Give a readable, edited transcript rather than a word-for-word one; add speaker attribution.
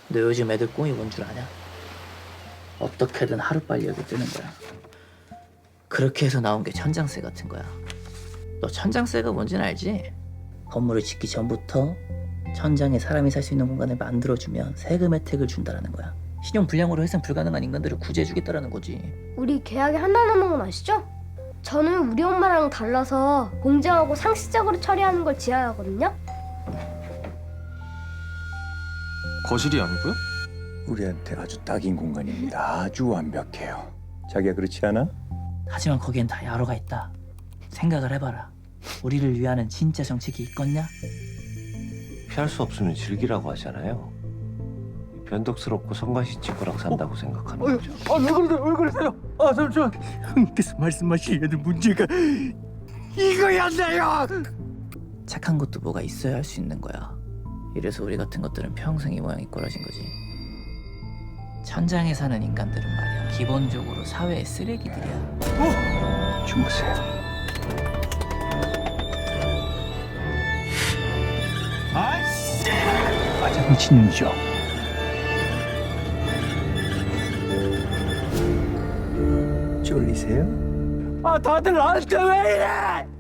Speaker 1: 너 요즘 애들 꿈이 뭔 줄 아냐? 어떻게든 하루빨리 여기 뜨는 거야. 그렇게 해서 나온 게 천장세 같은 거야. 너 천장세가 뭔지는 알지? 건물을 짓기 전부터 천장에 사람이 살 수 있는 공간을 만들어주면 세금 혜택을 준다라는 거야. 신용 불량으로 회생 불가능한 인간들을 구제해주겠다라는 거지.
Speaker 2: 우리 계약에 한달 남은 건 아시죠? 저는 우리 엄마랑 달라서 공정하고 상식적으로 처리하는 걸 지향하거든요.
Speaker 3: 거실이 아니고요?
Speaker 4: 우리한테 아주 딱인 공간입니다. 아주 완벽해요. 자기야 그렇지 않아?
Speaker 1: 하지만 거기엔 다 야로가 있다. 생각을 해봐라. 우리를 위하는 진짜 정책이 있겠냐?
Speaker 5: 피할 수 없으면 즐기라고 하잖아요. 변덕스럽고 성가시칠 거라고 산다고 생각하는 거죠.
Speaker 4: 왜 그러세요? 잠시만. 형께서 말씀하시려는 문제가 이거였나요?
Speaker 1: 착한 것도 뭐가 있어야 할 수 있는 거야. 이래서 우리 같은 것들은 평생 이 모양이 꼬라진 거지. 천장에 사는 인간들은 말이야, 기본적으로 사회의 쓰레기들이야.
Speaker 4: 주무세요. 아씨! 화장실이죠. 쫄리세요? 다들 나한테 왜 이래?